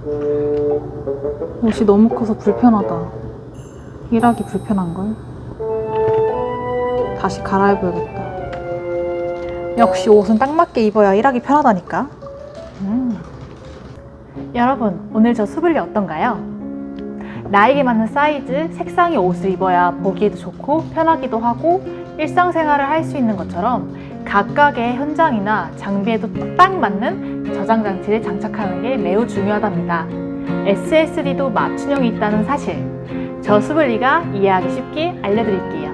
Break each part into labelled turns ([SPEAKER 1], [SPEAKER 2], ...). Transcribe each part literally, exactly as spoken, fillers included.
[SPEAKER 1] 옷이 너무 커서 불편하다. 일하기 불편한걸? 다시 갈아입어야겠다. 역시 옷은 딱 맞게 입어야 일하기 편하다니까. 음. 여러분, 오늘 저 수블리 어떤가요? 나에게 맞는 사이즈, 색상의 옷을 입어야 보기에도 좋고 편하기도 하고 일상생활을 할 수 있는 것처럼 각각의 현장이나 장비에도 딱 맞는 저장 장치를 장착하는 게 매우 중요하답니다. 에스에스디도 맞춤형이 있다는 사실, 저 수블리가 이해하기 쉽게 알려드릴게요.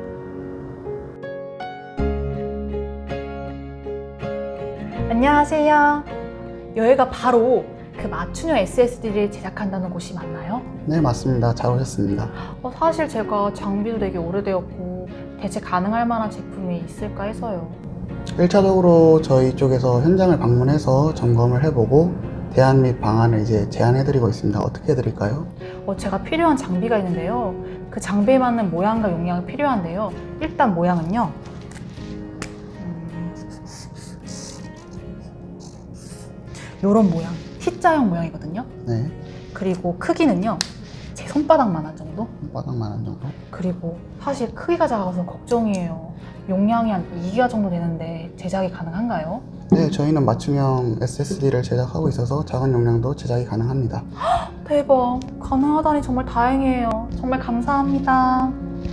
[SPEAKER 1] 안녕하세요. 여기가 바로 그 맞춤형 에스에스디를 제작한다는 곳이 맞나요?
[SPEAKER 2] 네, 맞습니다. 잘 오셨습니다.
[SPEAKER 1] 어, 사실 제가 장비도 되게 오래되었고 대체 가능할 만한 제품이 있을까 해서요.
[SPEAKER 2] 일 차적으로 저희 쪽에서 현장을 방문해서 점검을 해보고 대안 및 방안을 이제 제안해드리고 있습니다. 어떻게 해드릴까요?
[SPEAKER 1] 어, 제가 필요한 장비가 있는데요. 그 장비에 맞는 모양과 용량이 필요한데요. 일단 모양은요. 음, 요런 모양, T자형 모양이거든요.
[SPEAKER 2] 네,
[SPEAKER 1] 그리고 크기는요. 제 손바닥만한 정도?
[SPEAKER 2] 바닥만한 정도.
[SPEAKER 1] 그리고 사실 크기가 작아서 걱정이에요. 용량이 한 이 기가 정도 되는데 제작이 가능한가요?
[SPEAKER 2] 네, 저희는 맞춤형 에스에스디를 제작하고 있어서 작은 용량도 제작이 가능합니다.
[SPEAKER 1] 대박! 가능하다니 정말 다행이에요. 정말 감사합니다.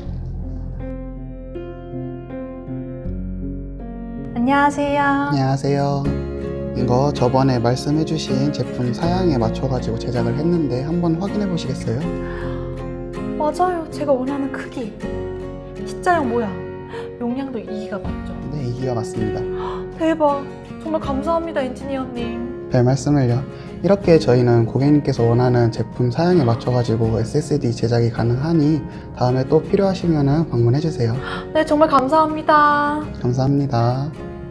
[SPEAKER 1] 안녕하세요.
[SPEAKER 2] 안녕하세요. 이거 저번에 말씀해주신 제품 사양에 맞춰가지고 제작을 했는데 한번 확인해 보시겠어요?
[SPEAKER 1] 맞아요. 제가 원하는 크기. T자형 모양. 용량도 이 기가 맞죠?
[SPEAKER 2] 네, 이 기가 맞습니다.
[SPEAKER 1] 대박! 정말 감사합니다, 엔지니어님.
[SPEAKER 2] 별 말씀을요. 이렇게 저희는 고객님께서 원하는 제품 사양에 맞춰가지고 에스에스디 제작이 가능하니 다음에 또 필요하시면 방문해주세요.
[SPEAKER 1] 네, 정말 감사합니다.
[SPEAKER 2] 감사합니다.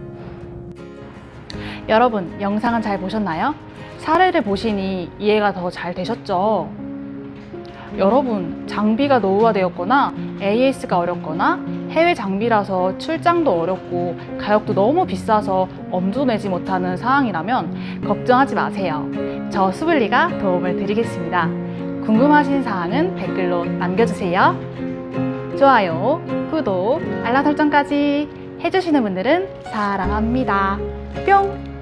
[SPEAKER 1] 여러분, 영상은 잘 보셨나요? 사례를 보시니 이해가 더 잘 되셨죠? 여러분, 장비가 노후화되었거나 에이에스가 어렵거나 해외 장비라서 출장도 어렵고 가격도 너무 비싸서 엄두도 내지 못하는 상황이라면 걱정하지 마세요. 저 수블리가 도움을 드리겠습니다. 궁금하신 사항은 댓글로 남겨주세요. 좋아요, 구독, 알람 설정까지 해주시는 분들은 사랑합니다. 뿅!